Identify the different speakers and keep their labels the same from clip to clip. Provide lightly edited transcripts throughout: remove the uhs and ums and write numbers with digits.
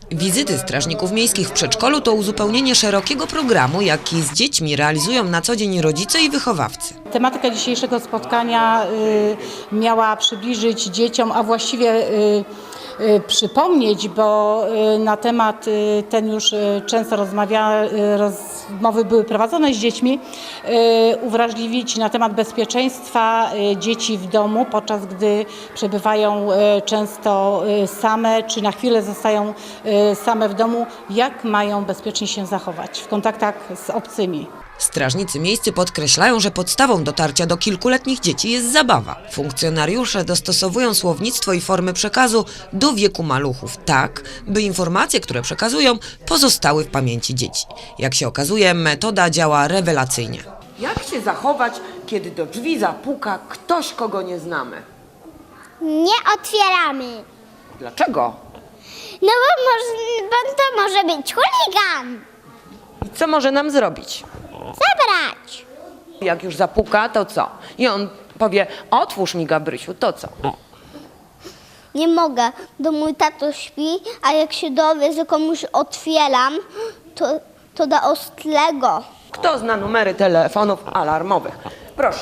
Speaker 1: Wizyty strażników miejskich w przedszkolu to uzupełnienie szerokiego programu, jaki z dziećmi realizują na co dzień rodzice i wychowawcy.
Speaker 2: Tematyka dzisiejszego spotkania miała przybliżyć dzieciom, a właściwie przypomnieć, bo na temat ten już często rozmowy były prowadzone z dziećmi, uwrażliwić na temat bezpieczeństwa dzieci w domu, podczas gdy przebywają często same, czy na chwilę zostają same w domu, jak mają bezpiecznie się zachować w kontaktach z obcymi.
Speaker 1: Strażnicy miejscy podkreślają, że podstawą dotarcia do kilkuletnich dzieci jest zabawa. Funkcjonariusze dostosowują słownictwo i formy przekazu do wieku maluchów tak, by informacje, które przekazują, pozostały w pamięci dzieci. Jak się okazuje, metoda działa rewelacyjnie.
Speaker 3: Jak się zachować, kiedy do drzwi zapuka ktoś, kogo nie znamy?
Speaker 4: Nie otwieramy.
Speaker 3: Dlaczego?
Speaker 4: No bo to może być chuligan.
Speaker 3: I co może nam zrobić?
Speaker 4: Zabrać.
Speaker 3: Jak już zapuka, to co? I on powie, otwórz mi, Gabrysiu, to co?
Speaker 4: Nie mogę, bo mój tato śpi, a jak się dowie, że komuś otwieram, to da ostrego.
Speaker 3: Kto zna numery telefonów alarmowych? Proszę.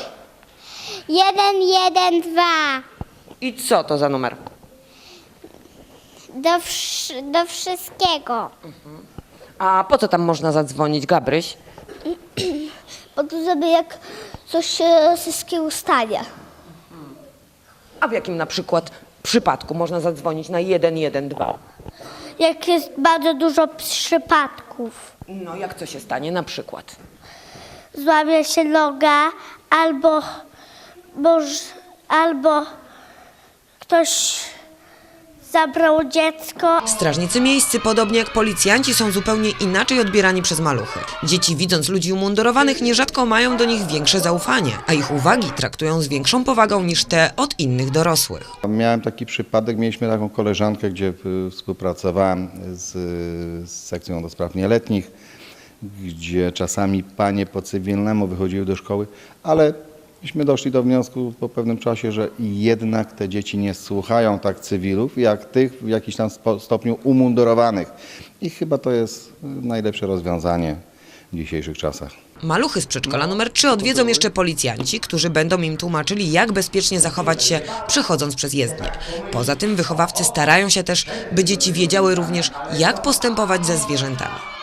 Speaker 4: 112.
Speaker 3: I co to za numer?
Speaker 4: Do wszystkiego.
Speaker 3: A po co tam można zadzwonić, Gabryś?
Speaker 4: Bo to żeby jak coś się wszystkiego stanie.
Speaker 3: A w jakim na przykład przypadku można zadzwonić na 112?
Speaker 4: Jak jest bardzo dużo przypadków.
Speaker 3: No jak co się stanie na przykład?
Speaker 4: Złamie się noga, albo ktoś zabrał dziecko.
Speaker 1: Strażnicy miejscy, podobnie jak policjanci, są zupełnie inaczej odbierani przez maluchy. Dzieci, widząc ludzi umundurowanych, nierzadko mają do nich większe zaufanie, a ich uwagi traktują z większą powagą niż te od innych dorosłych.
Speaker 5: Miałem taki przypadek, mieliśmy taką koleżankę, gdzie współpracowałem z sekcją do spraw nieletnich, gdzie czasami panie po cywilnemu wychodziły do szkoły, ale myśmy doszli do wniosku po pewnym czasie, że jednak te dzieci nie słuchają tak cywilów, jak tych w jakimś tam stopniu umundurowanych. I chyba to jest najlepsze rozwiązanie w dzisiejszych czasach.
Speaker 1: Maluchy z przedszkola numer 3 odwiedzą jeszcze policjanci, którzy będą im tłumaczyli, jak bezpiecznie zachować się, przechodząc przez jezdnię. Poza tym wychowawcy starają się też, by dzieci wiedziały również, jak postępować ze zwierzętami.